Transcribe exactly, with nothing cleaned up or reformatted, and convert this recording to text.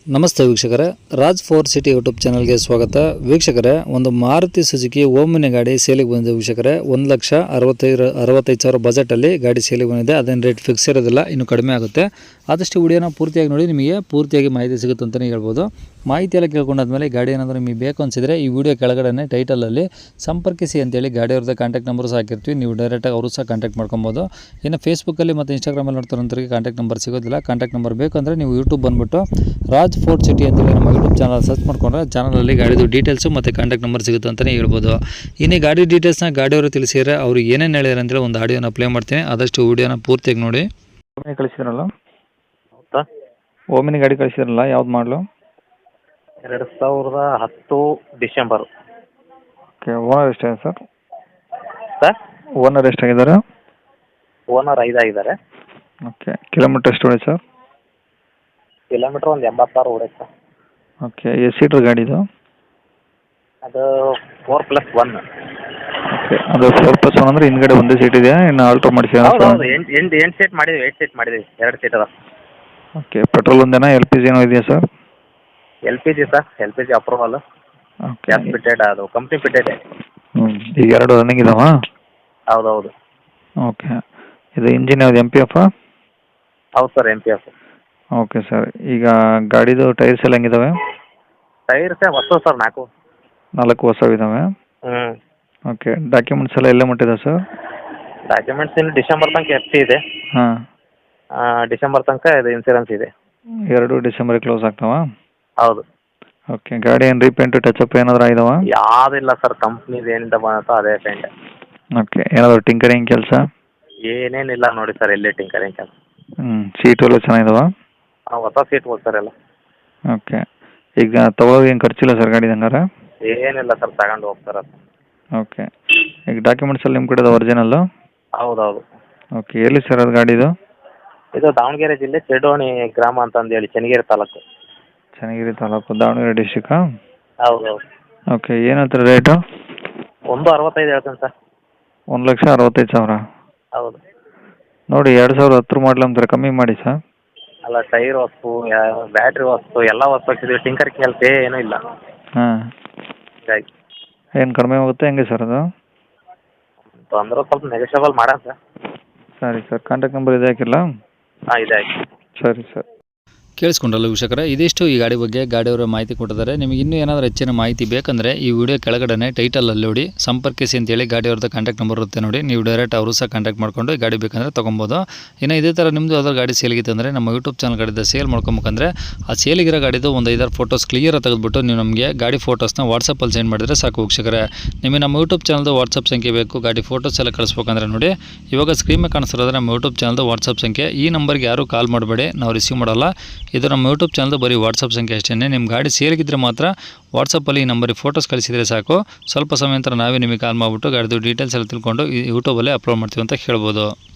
ನಮಸ್ತೆ ವೀಕ್ಷಕರೇ, Raj four city YouTube ಚಾನಲ್ಗೆ ಸ್ವಾಗತ. ವೀಕ್ಷಕರೇ, ಒಂದು ಮಾರುತಿ ಸುಜುಕಿ ಓಮಿನಿ ಗಾಡಿ ಸೇಲಿಗೆ ಬಂದಿದೆ ವೀಕ್ಷಕರೇ. ಒಂದು ಲಕ್ಷ ಅರವತ್ತೈದು ಅರವತ್ತೈದು ಸಾವಿರ ಬಜೆಟಲ್ಲಿ ಗಾಡಿ ಸೇಲಿಗೆ ಬಂದಿದೆ. ಅದೇನು ರೇಟ್ ಫಿಕ್ಸ್ ಇರೋದಿಲ್ಲ, ಇನ್ನು ಕಡಿಮೆ ಆಗುತ್ತೆ. ಆದಷ್ಟು ವಿಡಿಯೋನ ಪೂರ್ತಿಯಾಗಿ ನೋಡಿ, ನಿಮಗೆ ಪೂರ್ತಿಯಾಗಿ ಮಾಹಿತಿ ಸಿಗುತ್ತೆ ಅಂತಲೇ ಹೇಳ್ಬೋದು. ಮಾಹಿತಿ ಎಲ್ಲ ಕೇಳ್ಕೊಂಡಾದ್ಮೇಲೆ ಗಾಡಿ ಏನಾದರೂ ನಿಮಗೆ ಬೇಕು ಅನಿಸಿದರೆ ಈ ವಿಡಿಯೋ ಕೆಳಗಡೆ ಟೈಟಲಲ್ಲಿ ಸಂಪರ್ಕಿಸಿ ಅಂತೇಳಿ ಗಾಡಿಯವ್ರದ್ದು ಕಾಂಟ್ಯಾಕ್ಟ್ ನಂಬರ್ ಸಹ ಹಾಕಿರ್ತೀವಿ. ನೀವು ಡೈರೆಕ್ಟಾಗಿ ಅವರು ಸಹ ಕಾಂಟ್ಯಾಕ್ಟ್ ಮಾಡ್ಕೊಬೋದು. ಇನ್ನು ಫೇಸ್ಬುಕ್ಕಲ್ಲಿ ಮತ್ತು ಇನ್ಸ್ಟಾಗ್ರಾಮಲ್ಲಿ ನೋಡ್ತಾರಂತರಿಗೆ ಕಾಂಟ್ಯಾಕ್ಟ್ ನಂಬರ್ ಸಿಗೋದಿಲ್ಲ. ಕಾಂಟ್ಯಾಕ್ಟ್ ನಂಬರ್ ಬೇಕು ಅಂದರೆ ನೀವು ಯೂಟ್ಯೂಬ್ ಬಂದುಬಿಟ್ಟು ರಾಜ್ ಫೋರ್ಟ್ ಸಿಟಿ ಅಂತೇಳಿ ನಮ್ಮ ಯೂಟ್ಯೂಬ್ ಚಾನಲ್ ಸರ್ಚ್ ಮಾಡ್ಕೊಂಡ್ರೆ ಚಾನಲಲ್ಲಿ ಗಾಡಿದು ಡೀಟೇಲ್ಸು ಮತ್ತು ಕಾಂಟ್ಯಾಕ್ಟ್ ನಂಬರ್ ಸಿಗುತ್ತೆ ಅಂತಲೇ ಹೇಳ್ಬೋದು. ಇನ್ನು ಗಾಡಿ ಡೀಟೇಲ್ಸ್ನ ಗಾಡಿಯವರು ತಿಳಿಸಿದರೆ ಅವರು ಏನೇನು ಹೇಳಿದಾರೆ ಅಂತೇಳಿ ಒಂದು ಆಡಿಯೋನ ಪ್ಲೇ ಮಾಡ್ತೀನಿ. ಆದಷ್ಟು ವಿಡಿಯೋನ ಪೂರ್ತಿಯಾಗಿ ನೋಡಿ. ಓಮಿನಿ ಕಳಿಸಿದ್ರಲ್ಲ, ಓಮಿನಿ ಗಾಡಿ ಕಳಿಸಿದ್ರಲ್ಲ, ಯಾವ್ದು ಮಾಡಲು? ಎರಡು ಸಾವಿರದ ಹತ್ತು ಡಿಸೆಂಬರ್. ಓಕೆ, ಓನರ್ ಎಷ್ಟಾಗಿದೆ ಸರ್? ಸರ್, ಓನರ್ ಎಷ್ಟಾಗಿದ್ದಾರೆ? ಓನರ್ ಐದಾಗಿದ್ದಾರೆ. ಓಕೆ, ಕಿಲೋಮೀಟರ್ ಎಷ್ಟು ಹೊಡೆ ಸರ್? ಕಿಲೋಮೀಟ್ರ್ ಒಂದು ಎಂಬತ್ತಾರು ಹೊಡೆಯುತ್ತೆ ಸರ್. ಓಕೆ, ಎಷ್ಟು ಸೀಟ್ರ್ ಗಾಡಿದು? ಅದು ಫೋರ್ ಪ್ಲಸ್ ಒನ್. ಓಕೆ, ಅದು ಫೋರ್ ಪ್ಲಸ್ ಒನ್ ಅಂದರೆ ಹಿಂದ್ಗಡೆ ಒಂದೇ ಸೀಟ್ ಇದೆಯಾ, ಇನ್ನು ಆಲ್ಟ್ರೋ ಮಾಡಿಸಿ? ಹೌದು ಹೌದು, ಎಂಟು ಎಂಟು ಎಂಟು ಸೀಟ್ ಮಾಡಿದ್ವಿ, ಏಟ್ ಸೀಟ್ ಮಾಡಿದ್ವಿ, ಎರಡು ಸೀಟ್ ಅದ. ಓಕೆ, ಪೆಟ್ರೋಲ್ ಒಂದೇನಾ, ಎಲ್ ಪಿ ಜಿ ಏನೋ ಇದೆಯಾ sir? L P G sir, L P G approval. Okay, gas fitted, ಅದು ಕಂಪ್ನಿ ಫಿಟೆಡ್. ಹ್ಞೂ, ಈಗ ಎರಡು ರನ್ನಿಂಗ್ ಇದಾವ? ಹೌದು ಹೌದು. ಓಕೆ, ಇದು ಇಂಜಿನ್ ಯಾವ್ದು, ಎಮ್ ಪಿ ಎಫ್? ಹೌದು sir, M P F. Okay sir, ಈಗ ಗಾಡಿದು ಟೈರ್ಸ್ ಎಲ್ಲ ಹೆಂಗಿದಾವೆ? ಟೈರ್ಸ್ ಹೊಸ ಸರ್, ನಾಲ್ಕು ನಾಲ್ಕು ಹೊಸವಿದ್ದಾವೆ. ಹ್ಞೂ. ಓಕೆ, ಡಾಕ್ಯುಮೆಂಟ್ಸ್ ಎಲ್ಲ ಎಲ್ಲ ಮಟ್ಟಿದೆ ಸರ್? ಡಾಕ್ಯುಮೆಂಟ್ಸ್ ಇನ್ನು ಡಿಸೆಂಬರ್ ತನಕ ಎಫ್ ಸಿ ಇದೆ. ಹಾಂ, ಡಿಸೆಂಬರ್ ತನಕ ಇದು ಇನ್ಸೂರೆನ್ಸ್ ಇದೆ. ಎರಡು ಡಿಸೆಂಬರಿಗೆ ಕ್ಲೋಸ್ ಆಗ್ತಾವ? ಹೌದು. ಓಕೆ, ಗಾಡಿ ಏನು ರೀಪೇಂಟು ಟಚಪ್ ಏನಾದರೂ ಆಗಿದಾವ? ಯಾವುದಿಲ್ಲ ಸರ್, ಕಂಪ್ನಿದು ಏನಿಂದ ಬಂದೋ ಅದೇ ಪೇಂಟ್. ಓಕೆ, ಏನಾದರೂ ಟಿಂಕರಿಂಗ್ ಕೆಲಸ? ಏನೇನಿಲ್ಲ ನೋಡಿ ಸರ್, ಎಲ್ಲಿ ಟಿಂಕರಿಂಗ್ ಕೆಲಸ. ಹ್ಞೂ, ಸೀಟು ಎಲ್ಲ ಚೆನ್ನಾಗಿದಾವ? ಹಾಂ, ಹೊಸ ಸೀಟ್ ಹೋಗ್ತಾರೆ ಎಲ್ಲ. ಓಕೆ, ಈಗ ತಗೋಗಿ ಏನು ಖರ್ಚಿಲ್ಲ ಸರ್ ಗಾಡಿ ಹಂಗಾರೆ? ಏನಿಲ್ಲ ಸರ್, ತಗೊಂಡು ಹೋಗ್ತಾರೆ. ಓಕೆ, ಈಗ ಡಾಕ್ಯುಮೆಂಟ್ಸ್ ಎಲ್ಲ ನಿಮ್ಮ ಕಡೆದು ಒರಿಜಿನಲ್ಲು? ಹೌದು ಹೌದು. ಓಕೆ, ಎಲ್ಲಿ ಸರ್ ಅದು ಗಾಡಿದು? ಇದು ದಾವಣಗೆರೆ ಜಿಲ್ಲೆ ಚೆಡೋಣಿ ಗ್ರಾಮ ಅಂತಂದೇಳಿ, ಚೆನ್ನಗಿರಿ ತಾಲೂಕು. ಚೆನ್ನಗಿರಿ ತಾಲೂಕು, ದಾವಣಗೆರೆ ಡಿಸ್ಟಿಕ್ಕಾ? ಹೌದು ಹೌದು. ಓಕೆ, ಏನು ಹೇಳ್ತಾರೆ ರೇಟು? ಒಂದು ಅರವತ್ತೈದು ಹೇಳ್ತೇನೆ ಸರ್. ಒಂದು ಲಕ್ಷ ಅರವತ್ತೈದು ಸಾವಿರ? ಹೌದು. ನೋಡಿ, ಎರಡು ಸಾವಿರದ ಹತ್ತರ ಮಾಡಲ್ ಅಂತಾರೆ, ಕಮ್ಮಿ ಮಾಡಿ ಸರ್. ಅಲ್ಲ, ಟೈರ್ ವಸ್ತು, ಬ್ಯಾಟ್ರಿ ವಸ್ತು ಎಲ್ಲ ವಸ್ತು ಹಾಕಿದ್ವಿ, ಟಿಂಕರ್ ಕೆಲಸ ಏನೂ ಇಲ್ಲ. ಹಾಂ, ಹೀಗಾಗಿ ಏನು ಕಡಿಮೆ ಆಗುತ್ತೆ ಹೆಂಗೆ ಸರ್ ಅದು? ತೊಂದರೆ ಸ್ವಲ್ಪ ನೆಗೋಷಿಯಬಲ್ ಮಾಡೋಣ ಸರ್. ಸರಿ ಸರ್, ಕಾಂಟ್ಯಾಕ್ಟ್ ನಂಬರ್ ಇದೆ ಹಾಕಿಲ್ಲ? ಹಾಂ, ಇದೆ ಆಯ್ತು. ಸರಿ ಸರ್. ಕೇಳಿಸ್ಕೊಂಡಲ್ಲ ವೀಕ್ಷಕರೇ, ಇದಿಷ್ಟು ಈ ಗಾಡಿ ಬಗ್ಗೆ ಗಾಡಿಯವರು ಮಾಹಿತಿ ಕೊಟ್ಟಿದ್ದಾರೆ. ನಿಮಗೆ ಇನ್ನೂ ಏನಾದರೂ ಹೆಚ್ಚಿನ ಮಾಹಿತಿ ಬೇಕಂದರೆ ಈ ವಿಡಿಯೋ ಕೆಳಗಡೆ ಟೈಟಲಲ್ಲಿ ನೋಡಿ ಸಂಪರ್ಕಿಸಿ ಅಂತೇಳಿ ಗಾಡಿಯವ್ರದ್ದು ಕಾಂಟ್ಯಾಕ್ಟ್ ನಂಬರ್ ಇರುತ್ತೆ ನೋಡಿ. ನೀವು ಡೈರೆಕ್ಟ್ ಅವರು ಸಹ ಕಾಂಟ್ಯಾಕ್ಟ್ ಮಾಡ್ಕೊಂಡು ಈ ಗಾಡಿ ಬೇಕಂದರೆ ತೊಗೊಬೋದು. ಇನ್ನು ಇದೇ ಥರ ನಿಮ್ಮದು ಯಾವ್ದಾದ್ರು ಗಾಡಿ ಸೇಲಿಗಿತ್ತು ಅಂದರೆ ನಮ್ಮ ಯೂಟ್ಯೂಬ್ ಚಾನಲ್ ಗಾಡಿದ ಸೇಲ್ ಮಾಡ್ಕೊಬೇಕಂದ್ರೆ ಆ ಸೇಲಿಗಿರೋ ಗಾಡಿದು ಒಂದು ಐದಾರು ಫೋಟೋಸ್ ಕ್ಲಿಯರ್ ತೆಗೆದುಬಿಟ್ಟು ನೀವು ನಮಗೆ ಗಾಡಿ ಫೋಟೋಸ್ನ ವಾಟ್ಸಪ್ಪಲ್ಲಿ ಸೆಂಡ್ ಮಾಡಿದರೆ ಸಾಕು ವೀಕ್ಷಕರೇ. ನಿಮಗೆ ನಮ್ಮ ಯೂಟ್ಯೂಬ್ ಚಾನಲ್ದು ವಾಟ್ಸಪ್ ಸಂಖ್ಯೆ ಬೇಕು, ಗಾಡಿ ಫೋಟೋಸ್ ಎಲ್ಲ ಕಳಿಸ್ಬೇಕಂದ್ರೆ ನೋಡಿ ಇವಾಗ ಸ್ಕ್ರೀನ್ ಮೇಲೆ ಕಾಣಿಸ್ತಿರೋದ್ರೆ ನಮ್ಮ ಯೂಟ್ಯೂಬ್ ಚಾನಲ್ದು ವಾಟ್ಸಪ್ ಸಂಖ್ಯೆ. ಈ ನಂಬರ್ಗೆ ಯಾರೂ ಕಾಲ್ ಮಾಡಬೇಡಿ, ನಾವು ರಿಸೀವ್ ಮಾಡಲ್ಲ. ಇದು ನಮ್ಮ ಯೂಟ್ಯೂಬ್ ಚಾನಲ್ದು ಬರೀ ವಾಟ್ಸಪ್ ಸಂಖ್ಯೆ ಅಷ್ಟೇ. ನಿಮ್ಮ ಗಾಡಿ ಸೇಲಿಗಿದ್ರೆ ಮಾತ್ರ ವಾಟ್ಸಪ್ಪಲ್ಲಿ ಈ ನಂಬರಿಗೆ ಫೋಟೋಸ್ ಕಳಿಸಿದರೆ ಸಾಕು. ಸ್ವಲ್ಪ ಸಮಯ ನಂತರ ನಾವೇ ನಿಮಗೆ ಕಾಲ್ ಮಾಡಿಬಿಟ್ಟು ಗಾಡಿದು ಡೀಟೇಲ್ಸ್ ಎಲ್ಲ ತಿಳ್ಕೊಂಡು ಯೂಟ್ಯೂಬಲ್ಲೇ ಅಪ್ಲೋಡ್ ಮಾಡ್ತೀವಿ ಅಂತ ಹೇಳ್ಬೋದು.